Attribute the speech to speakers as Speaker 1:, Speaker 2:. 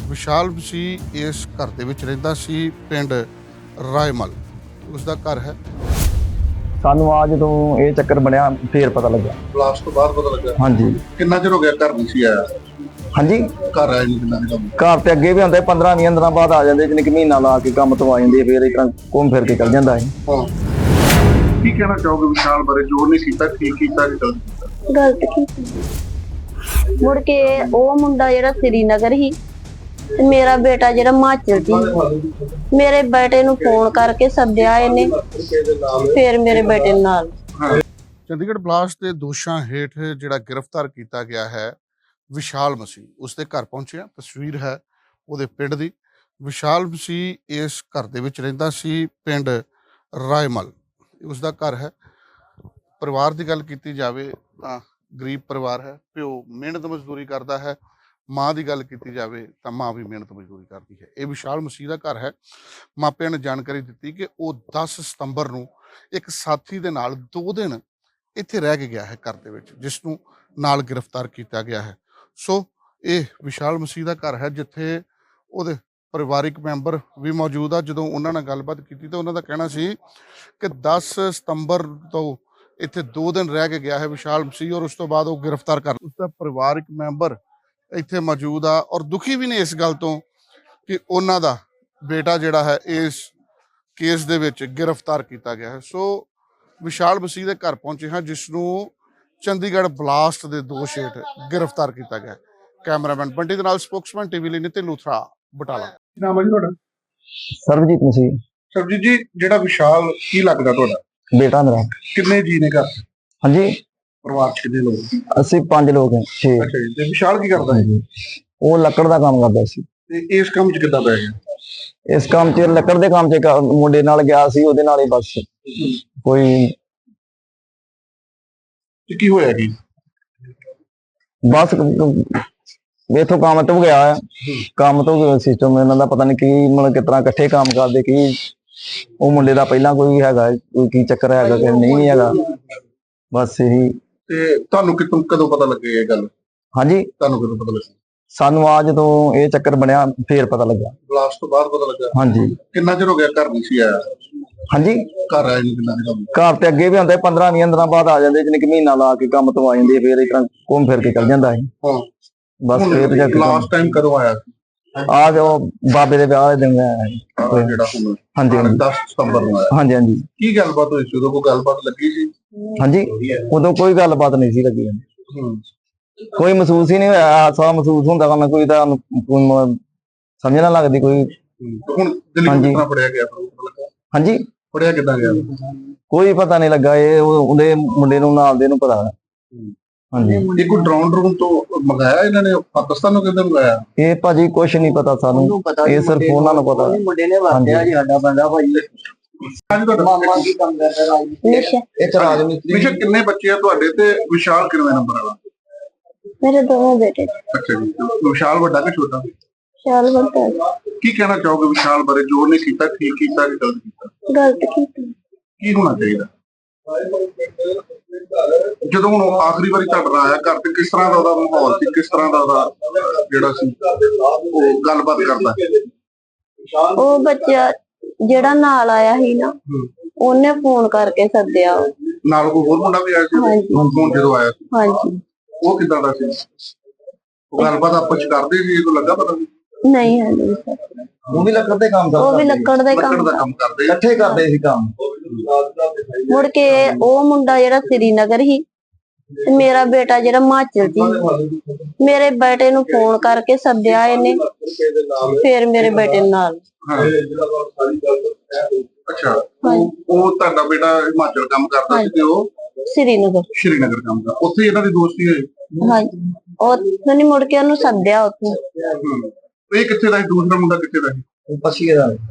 Speaker 1: ਵਿਸ਼ਾਲ ਮਸੀਹ ਇਸ ਘਰ ਦੇ ਵਿੱਚ ਰਹਿੰਦਾ ਸੀ, ਪਿੰਡ ਰਾਏਮਲ ਉਸ ਦਾ ਘਰ ਹੈ।
Speaker 2: ਸਾਨੂੰ ਆ ਜਦੋਂ ਇਹ ਚੱਕਰ ਬਣਿਆ ਫੇਰ ਪਤਾ ਲੱਗਾ।
Speaker 1: ਬਲਾਸਟ ਤੋਂ ਬਾਅਦ ਪਤਾ ਲੱਗਾ।
Speaker 2: ਹਾਂਜੀ।
Speaker 1: ਕਿੰਨਾ ਚਿਰ ਹੋ ਗਿਆ ਘਰ ਨਹੀਂ ਸੀ ਆਇਆ?
Speaker 2: ਹਾਂਜੀ,
Speaker 1: ਘਰ ਆਇਆ ਨਹੀਂ ਕਿੰਨਾ ਚਿਰ?
Speaker 2: ਘਰ ਤੇ ਅੱਗੇ ਵੀ ਹੁੰਦੇ 15-20 ਦਿਨਾਂ ਬਾਅਦ ਆ ਜਾਂਦੇ, ਜਿੰਨੇ ਕਿ ਮਹੀਨਾ ਲਾ ਕੇ ਕੰਮ ਤੋਂ ਆ ਜਾਂਦੇ, ਫੇਰ ਇਸ ਤਰ੍ਹਾਂ ਘੁੰਮ ਫਿਰ ਕੇ ਚੱਲ ਜਾਂਦਾ ਹੈ।
Speaker 1: ਕੀ ਕਹਿਣਾ ਚਾਹੋਗੇ ਵਿਸ਼ਾਲ ਬਾਰੇ? ਜੋ ਨਹੀਂ ਕੀਤਾ ਠੀਕ ਕੀਤਾ ਕਿ ਗਲਤ ਕੀਤਾ?
Speaker 3: ਗਲਤ ਕੀਤੀ। ਮੁੜ ਕੇ ਉਹ ਮੁੰਡਾ ਜਿਹੜਾ ਸ੍ਰੀਨਗਰ ਸੀ ਤੇ ਮੇਰਾ ਬੇਟਾ ਜਿਹੜਾ ਹਿਮਾਚਲ ਸੀ, ਮੇਰੇ ਬੇਟੇ ਨੂੰ ਫੋਨ ਕਰਕੇ ਸੱਦਿਆ ਇਹਨੇ, ਫਿਰ ਮੇਰੇ ਬੇਟੇ ਨਾਲ।
Speaker 1: ਚੰਡੀਗੜ੍ਹ ਬਲਾਸਟ ਦੇ ਦੋਸ਼ਾਂ ਹੇਠ ਜਿਹੜਾ ਗ੍ਰਿਫਤਾਰ ਕੀਤਾ ਗਿਆ ਹੈ ਵਿਸ਼ਾਲ ਮਸੀਹ, ਉਸਦੇ ਘਰ ਪਹੁੰਚਿਆ। ਤਸਵੀਰ ਹੈ ਉਹਦੇ ਪਿੰਡ ਦੀ। ਵਿਸ਼ਾਲ ਮਸੀਹ ਇਸ ਘਰ ਦੇ ਵਿੱਚ ਰਹਿੰਦਾ ਸੀ, ਪਿੰਡ ਰਾਏਮਲ ਉਸਦਾ ਘਰ ਹੈ। ਪਰਿਵਾਰ ਦੀ ਗੱਲ ਕੀਤੀ ਜਾਵੇ ਤਾਂ ਗਰੀਬ ਪਰਿਵਾਰ ਹੈ। ਪਿਓ ਮਿਹਨਤ ਮਜ਼ਦੂਰੀ ਕਰਦਾ ਹੈ, ਮਾਂ ਦੀ ਗੱਲ ਕੀਤੀ ਜਾਵੇ ਤਾਂ ਮਾਂ ਵੀ ਮਿਹਨਤ ਮਜ਼ਦੂਰੀ ਕਰਦੀ ਹੈ। ਇਹ ਵਿਸ਼ਾਲ ਮਸੀਹ ਦਾ ਘਰ ਹੈ। ਮਾਪਿਆਂ ਨੇ ਜਾਣਕਾਰੀ ਦਿੱਤੀ ਕਿ ਉਹ 10 ਸਤੰਬਰ ਨੂੰ ਇੱਕ ਸਾਥੀ ਦੇ ਨਾਲ 2 ਦਿਨ ਇੱਥੇ ਰਹਿ ਕੇ ਗਿਆ ਹੈ ਘਰ ਦੇ ਵਿੱਚ, ਜਿਸ ਨੂੰ ਨਾਲ ਗ੍ਰਿਫਤਾਰ ਕੀਤਾ ਗਿਆ ਹੈ। ਸੋ ਇਹ ਵਿਸ਼ਾਲ ਮਸੀਹ ਦਾ ਘਰ ਹੈ, ਜਿੱਥੇ ਉਹਦੇ ਪਰਿਵਾਰਿਕ ਮੈਂਬਰ ਵੀ ਮੌਜੂਦ ਆ। ਜਦੋਂ ਉਹਨਾਂ ਨਾਲ ਗੱਲਬਾਤ ਕੀਤੀ ਤਾਂ ਉਹਨਾਂ ਦਾ ਕਹਿਣਾ ਸੀ ਕਿ 10 ਸਤੰਬਰ ਤੋਂ ਇੱਥੇ 2 ਦਿਨ ਰਹਿ ਕੇ ਗਿਆ ਹੈ ਵਿਸ਼ਾਲ ਮਸੀਹ, ਔਰ ਉਸ ਤੋਂ ਬਾਅਦ ਉਹ ਗ੍ਰਿਫਤਾਰ ਕਰ ਉਸਦਾ ਪਰਿਵਾਰਿਕ ਮੈਂਬਰ ਇੱਥੇ ਮੌਜੂਦ ਆ, ਔਰ ਦੁਖੀ ਵੀ ਨੇ ਇਸ ਗੱਲ ਤੋਂ ਕਿ ਉਹਨਾਂ ਦਾ ਬੇਟਾ ਜਿਹੜਾ ਹੈ ਇਸ ਕੇਸ ਦੇ ਵਿੱਚ ਗ੍ਰਿਫਤਾਰ ਕੀਤਾ ਗਿਆ ਹੈ। ਸੋ ਵਿਸ਼ਾਲ ਮਸੀਹ ਦੇ ਘਰ ਪਹੁੰਚੇ ਹਾਂ, ਜਿਸ ਨੂੰ ਚੰਡੀਗੜ੍ਹ ਬਲਾਸਟ ਦੇ ਦੋਸ਼ ਹੇਠ ਗ੍ਰਿਫਤਾਰ ਕੀਤਾ ਗਿਆ। ਕੈਮਰਾਮੈਨ ਬੰਟੀ ਦੇ ਨਾਲ ਸਪੋਕਸਮੈਨ ਟੀਵੀ ਲਈ ਨਿਤਿਨ ਲੂਥਰਾ, ਬਟਾਲਾ। ਕੀ ਨਾਮ ਹੈ ਜੀ ਤੁਹਾਡਾ?
Speaker 2: ਸਰਬਜੀਤ ਮਸੀਹ।
Speaker 1: ਸਰਬਜੀਤ ਜੀ, ਜਿਹੜਾ ਵਿਸ਼ਾਲ ਕੀ ਲੱਗਦਾ ਤੁਹਾਡਾ?
Speaker 2: ਬੇਟਾ ਮੇਰਾ।
Speaker 1: ਕਿੰਨੇ ਜੀ ਨੇ ਘਰ?
Speaker 2: ਹਾਂਜੀ,
Speaker 1: ਪਰਿਵਾਰ ਚ ਕਿੰਨੇ ਲੋਕ?
Speaker 2: ਅਸੀਂ 5 ਲੋਕ ਹਾਂ। 6।
Speaker 1: ਅੱਛਾ ਜੀ। ਤੇ ਵਿਸ਼ਾਲ ਕੀ ਕਰਦਾ ਹੈ?
Speaker 2: ਉਹ ਲੱਕੜ ਦਾ ਕੰਮ ਕਰਦਾ ਸੀ।
Speaker 1: ਤੇ ਇਸ ਕੰਮ ਚ ਕਿੱਦਾਂ ਪੈ ਗਿਆ?
Speaker 2: ਇਸ ਕੰਮ 'ਚ ਲੱਕੜ ਦੇ ਕੰਮ 'ਚ ਇੱਕ ਮੁੰਡੇ ਨਾਲ ਗਿਆ ਸੀ, ਉਹਦੇ ਨਾਲ ਹੀ ਬਸ ਕੋਈ
Speaker 1: ਕੀ ਹੋਇਆ ਕੀ?
Speaker 2: ਬਸ ਇਥੋਂ ਕੰਮ ਤੋਂ ਗਿਆ, ਕੰਮ ਤੋਂ ਸਿਸਟਮ ਇਹਨਾਂ ਦਾ ਪਤਾ ਨਹੀਂ ਕੀ, ਮਤਲਬ ਕਿਸ ਤਰ੍ਹਾਂ ਇਕੱਠੇ ਕੰਮ ਕਰਦੇ ਕੀ। ਉਹ ਮੁੰਡੇ ਦਾ ਪਹਿਲਾਂ ਕੋਈ ਹੈਗਾ, ਕੋਈ ਕੀ ਚੱਕਰ ਹੈਗਾ ਕਿ ਨਹੀਂ ਹੈਗਾ, ਬਸ ਇਹੀ।
Speaker 1: ਤੇ ਤੁਹਾਨੂੰ ਕਦੋਂ ਪਤਾ ਲੱਗੇ ਇਹ ਗੱਲ?
Speaker 2: ਹਾਂਜੀ,
Speaker 1: ਤੁਹਾਨੂੰ ਕਦੋਂ ਪਤਾ ਲੱਗਾ?
Speaker 2: ਸਾਨੂੰ ਆ ਜਦੋਂ ਇਹ ਚੱਕਰ ਬਣਿਆ ਫੇਰ ਪਤਾ ਲੱਗਾ।
Speaker 1: ਬਲਾਸਟ ਤੋਂ ਬਾਅਦ ਪਤਾ ਲੱਗਾ?
Speaker 2: ਹਾਂਜੀ।
Speaker 1: ਕਿੰਨਾ ਚਿਰ ਹੋ ਗਿਆ ਘਰ ਨਹੀਂ ਸੀ ਆਇਆ?
Speaker 2: ਹਾਂਜੀ,
Speaker 1: ਘਰ ਆਇਆ ਨਹੀਂ ਕਿੰਨਾ ਚਿਰ?
Speaker 2: ਘਰ ਤੇ ਅੱਗੇ ਵੀ ਹੁੰਦੇ 15-20 ਦਿਨਾਂ ਬਾਅਦ ਆ ਜਾਂਦੇ, ਜਿੰਨੇ ਕਿ ਮਹੀਨਾ ਲਾ ਕੇ ਕੰਮ ਤੋਂ ਆ ਜਾਂਦੇ, ਫੇਰ ਇਸ ਤਰ੍ਹਾਂ ਘੁੰਮ ਫਿਰ ਕੇ ਚੱਲ ਜਾਂਦਾ ਹੈ। ਬਸ ਫੇਰ ਜਾ ਕੇ
Speaker 1: ਲਾਸਟ ਟਾਈਮ ਕਦੋਂ ਆਇਆ ਸੀ?
Speaker 2: ਆ ਜੋ ਬਾਬੇ ਦੇ ਵਿਆਹ ਦੇ ਦਿਨ ਆਇਆ
Speaker 1: ਜਿਹੜਾ ਹੁਣ।
Speaker 2: ਹਾਂਜੀ,
Speaker 1: 10 ਸਤੰਬਰ ਨੂੰ ਆਇਆ।
Speaker 2: ਹਾਂਜੀ ਹਾਂਜੀ।
Speaker 1: ਕੀ ਗੱਲਬਾਤ ਹੋਈ ਸੀ ਉਦੋਂ? ਕੋਈ ਗੱਲਬਾਤ ਲੱਗੀ ਸੀ?
Speaker 2: ਹਾਂਜੀ, ਉਦੋਂ ਕੋਈ ਗੱਲਬਾਤ ਨਹੀਂ ਸੀ ਲੱਗੀ। ਕੋਈ ਮਹਿਸੂਸ ਹੀ ਨਹੀਂ ਹੋਇਆ, ਹਾਸਾ ਮਹਿਸੂਸ ਹੁੰਦਾ ਵਾ, ਕੋਈ ਤਾਂ ਸਮਝ ਨਾ ਲੱਗਦੀ ਕੋਈ।
Speaker 1: ਹੁਣ ਦਿੱਲੀ ਕਿੱਦਾਂ ਫੜਿਆ ਗਿਆ?
Speaker 2: ਹਾਂਜੀ,
Speaker 1: ਫੜਿਆ ਕਿੱਦਾਂ ਗਿਆ?
Speaker 2: ਕੋਈ ਪਤਾ ਨਹੀਂ ਲੱਗਾ। ਇਹ ਉਹਦੇ ਮੁੰਡੇ ਨੂੰ ਨਾਲ ਦੇ ਨੂੰ ਪਤਾ। ਹਾਂਜੀ।
Speaker 1: ਇਹ ਕੋਈ ਡਰੋਨ ਤੋਂ ਮੰਗਾਇਆ ਇਹਨਾਂ ਨੇ? ਪਾਕਿਸਤਾਨ ਨੂੰ ਕਿੱਦਾਂ ਮੰਗਾਇਆ? ਇਹ
Speaker 2: ਭਾਜੀ ਕੁਛ ਨਹੀਂ ਪਤਾ ਸਾਨੂੰ, ਇਹ ਸਿਰਫ ਉਹਨਾਂ ਨੂੰ ਪਤਾ।
Speaker 3: ਮੁੰਡੇ ਨੇ ਵਾਕਿਆ ਜੀ ਸਾਡਾ ਬੰਦਾ ਭਾਈ ਮਾਮਾ ਕੀ ਕੰਮ ਕਰਦਾ ਰਾਜਨੀਤੀ।
Speaker 1: ਇੱਕ ਰਾਜਨੀਤੀ। ਕਿੰਨੇ ਬੱਚੇ ਆ ਤੁਹਾਡੇ ਤੇ ਵਿਸ਼ਾਲ ਕਿੰਨੇ ਨੰਬਰ ਵਾਲਾ?
Speaker 3: ਮੇਰੇ ਦੋਵੇਂ ਬੇਟੇ।
Speaker 1: ਅੱਛਾ ਜੀ। ਵਿਸ਼ਾਲ ਵੱਡਾ ਕਿ ਛੋਟਾ?
Speaker 3: ਵਿਸ਼ਾਲ ਵੱਡਾ।
Speaker 1: ਕੀ ਕਹਿਣਾ ਚਾਹੋਗੇ ਵਿਸ਼ਾਲ ਬਾਰੇ? ਜੋ ਨਹੀਂ ਕੀਤਾ ਠੀਕ ਕੀਤਾ ਕਿ ਗਲਤ ਕੀਤਾ?
Speaker 3: ਗਲਤ ਕੀਤੀ।
Speaker 1: ਕੀ ਹੋਣਾ ਚਾਹੀਦਾ? ਜਦੋਂ ਹੁਣ ਆਖਰੀ ਵਾਰੀ ਤੁਹਾਡੇ ਨਾਲ ਆਇਆ ਘਰ ਤੇ, ਕਿਸ ਤਰ੍ਹਾਂ ਦਾ ਉਹਦਾ ਮਾਹੌਲ ਸੀ? ਕਿਸ ਤਰ੍ਹਾਂ ਦਾ ਉਹਦਾ ਜਿਹੜਾ ਸੀ ਉਹ ਗੱਲਬਾਤ ਕਰਦਾ?
Speaker 3: ਉਹ ਬੱਚਾ ਜਿਹੜਾ ਨਾਲ ਆਇਆ ਸੀ ਨਾ, ਉਹਨੇ ਫੋਨ ਕਰਕੇ ਸੱਦਿਆ।
Speaker 1: ਨਾਲ ਕੋਈ ਹੋਰ ਮੁੰਡਾ ਵੀ ਆਇਆ ਸੀ ਫੋਨ ਜਦੋਂ ਆਇਆ ਸੀ?
Speaker 3: ਹਾਂਜੀ।
Speaker 1: ਉਹ ਕਿੱਦਾਂ ਦਾ ਸੀ? ਉਹ ਗੱਲਬਾਤ ਆਪਸ ਚ ਕਰਦੇ ਸੀ? ਇਹ ਲੱਗਾ ਪਤਾ
Speaker 3: ਨਹੀਂ ਹੈ ਨਹੀਂ।
Speaker 2: ਉਹ ਵੀ ਲੱਕੜ ਦੇ ਕੰਮ
Speaker 3: ਉਹ ਵੀ ਲੱਕੜ ਦਾ
Speaker 1: ਕੰਮ ਕਰਦੇ,
Speaker 2: ਇਕੱਠੇ ਕਰਦੇ ਸੀ ਕੰਮ।
Speaker 3: ਮੁੜ ਕੇ ਉਹ ਮੁੰਡਾ ਜਿਹੜਾ ਸ੍ਰੀਨਗਰ ਸੀ ਤੇ ਮੇਰਾ ਬੇਟਾ ਜਿਹੜਾ ਹਿਮਾਚਲ ਸੀ, ਮੇਰੇ ਬੇਟੇ ਨੂੰ ਫੋਨ ਕਰਕੇ ਸੱਦਿਆ ਇਹਨੇ, ਫਿਰ ਮੇਰੇ ਬੇਟੇ ਨਾਲ।
Speaker 1: ਅੱਛਾ। ਉਹ ਤੁਹਾਡਾ ਬੇਟਾ ਹਿਮਾਚਲ ਕੰਮ ਕਰਦਾ ਸੀ ਤੇ ਉਹ ਸ਼੍ਰੀਨਗਰ ਕੰਮ ਕਰਦਾ। ਉੱਥੇ ਇਹਨਾਂ ਦੀ ਦੋਸਤੀ ਹੋਈ?
Speaker 3: ਹਾਂਜੀ। ਉੱਥੋਂ ਨੀ ਮੁੜ ਕੇ ਉਹਨੂੰ ਸੱਦਿਆ ਉੱਥੋਂ।
Speaker 1: ਇਹ ਕਿੱਥੇ ਦਾ ਸੀ? ਦੂਸਰਾ ਮੁੰਡਾ ਕਿੱਥੇ ਦਾ ਸੀ?
Speaker 2: ਪਸੀਏ ਦਾ।